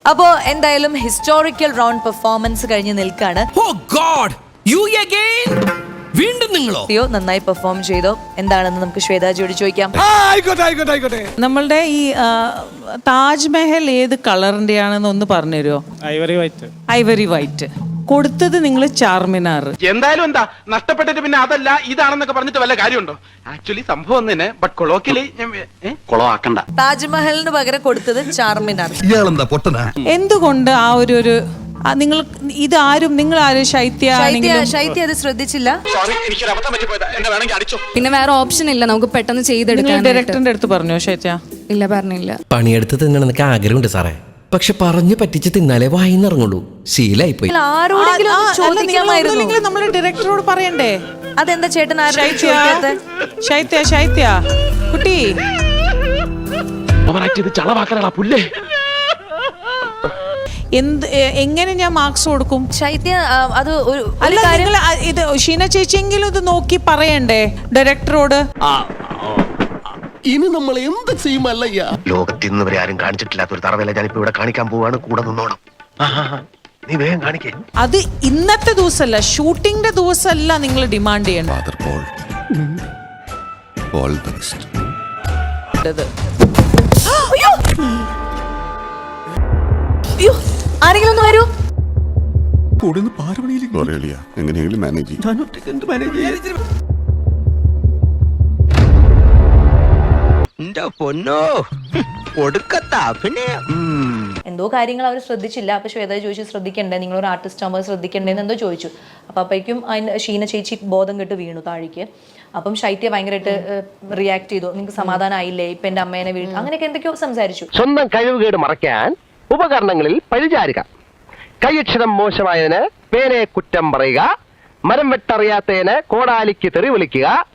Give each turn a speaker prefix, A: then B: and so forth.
A: അപ്പോ എന്തായാലും historical round performance കഴിഞ്ഞ് നിൽക്കാണ്.
B: വീണ്ടും നിങ്ങളോ?
A: നന്നായി പെർഫോം ചെയ്തോ എന്താണെന്ന് നമുക്ക് ശ്വേതാജിയോട് ചോദിക്കാം.
C: നമ്മളുടെ ഈ താജ്മഹൽ ഏത് കളറിന്റെ ആണെന്ന് ഒന്ന് പറഞ്ഞുതരുമോ? Ivory white. കൊടുത്തത് നിങ്ങൾ ചാർമിനാർ.
D: എന്തായാലും എന്താ നഷ്ടപ്പെട്ടിട്ട് പിന്നെ അതല്ല ഇതാണെന്നൊക്കെ പറഞ്ഞിട്ട് വല്ല കാര്യമുണ്ടോ? ആക്ച്വലി സംഭവം തന്നെ ബട്ട് കൊളോക്കിയലി കൊളവാക്കണ്ട.
A: താജ്മഹലിന് പകരം കൊടുത്തത് ചാർമിനാർ.
C: എന്തുകൊണ്ട് ആ ഒരു നിങ്ങൾ ഇതാരും നിങ്ങൾ ആരും ശൈത്യ
A: അത് ശ്രദ്ധിച്ചില്ല.
E: പിന്നെ വേറെ ഓപ്ഷൻ ഇല്ല, നമുക്ക് പെട്ടെന്ന് ചെയ്തെടുക്കാം.
C: ഡയറക്ടറിന്റെ അടുത്ത് പറഞ്ഞോ ശൈത്യ?
E: ഇല്ല, പറഞ്ഞില്ല.
B: പണിയെടുത്ത് തിന്നണം എന്നൊക്കെ ആഗ്രഹമുണ്ട് സാറേ, പക്ഷെ പറഞ്ഞു പറ്റിച്ച് തിന്നാലേ വായിന്നിറങ്ങുള്ളൂ. ശീലായി പോയി.
C: നമ്മള് ഡയറക്ടറോട് പറയണ്ടേ?
A: അതെന്താ ചേട്ടൻ
C: ശൈത്യ കുട്ടി
D: പുല്ലേ
C: എങ്ങനെ ഞാൻ മാർക്സ് കൊടുക്കും?
A: ശൈത്യ അത്
C: ഇത് ഷീന ചേച്ചിയെങ്കിലും ഇത് നോക്കി പറയണ്ടേ ഡയറക്ടറോട്?
F: ഇനി നമ്മൾ എന്ത് ചെയ്യുമല്ലയ്യ?
G: ലോകത്തിൽ നിന്ന് വരെ ആരും കാണിച്ചിട്ടില്ലാത്ത ഒരു തറവേല ഞാനിപ്പോ ഇവിടെ കാണിക്കാൻ പോവാണ്. കൂടെ നിന്നോണം, നീ വേഗം കാണിക്കേ.
C: അത് ഇന്നത്തെ ദിവസമല്ല, ഷൂട്ടിംഗിന്റെ ദിവസമല്ല നിങ്ങൾ ഡിമാൻഡ് ചെയ്യണം.
A: ആരെങ്കിലും ഒന്ന് വരൂ.
F: എങ്ങനെയെങ്കിലും മാനേജ് ചെയ്യും.
A: എന്തോ കാര്യങ്ങൾ അവർ ശ്രദ്ധിച്ചില്ല. അപ്പൊ ശ്വേത ചോദിച്ചു ശ്രദ്ധിക്കണ്ടേ, നിങ്ങളൊരു ആർട്ടിസ്റ്റ് ആകുമ്പോൾ ശ്രദ്ധിക്കണ്ടേന്ന് എന്തോ ചോദിച്ചു. അപ്പൊ അപ്പോഴേക്കും ഷീന ചേച്ചി ബോധം കെട്ട് വീണു താഴേക്ക്. അപ്പം ശൈത്യ ഭയങ്കരമായിട്ട് റിയാക്ട് ചെയ്തു. നിങ്ങൾക്ക് സമാധാനം ആയില്ലേ, ഇപ്പൊ എന്റെ അമ്മേനെ വീണു, അങ്ങനെയൊക്കെ എന്തൊക്കെയോ സംസാരിച്ചു.
G: സ്വന്തം കഴിവുകേട് മറയ്ക്കാൻ ഉപകരണങ്ങളിൽ പരിചാരിക, കൈയക്ഷരം മോശമായതിന് പേനെ കുറ്റം പറയുക, മരം വെട്ടറിയാത്തതിന് കോടാലിക്ക് തെറി വിളിക്കുക,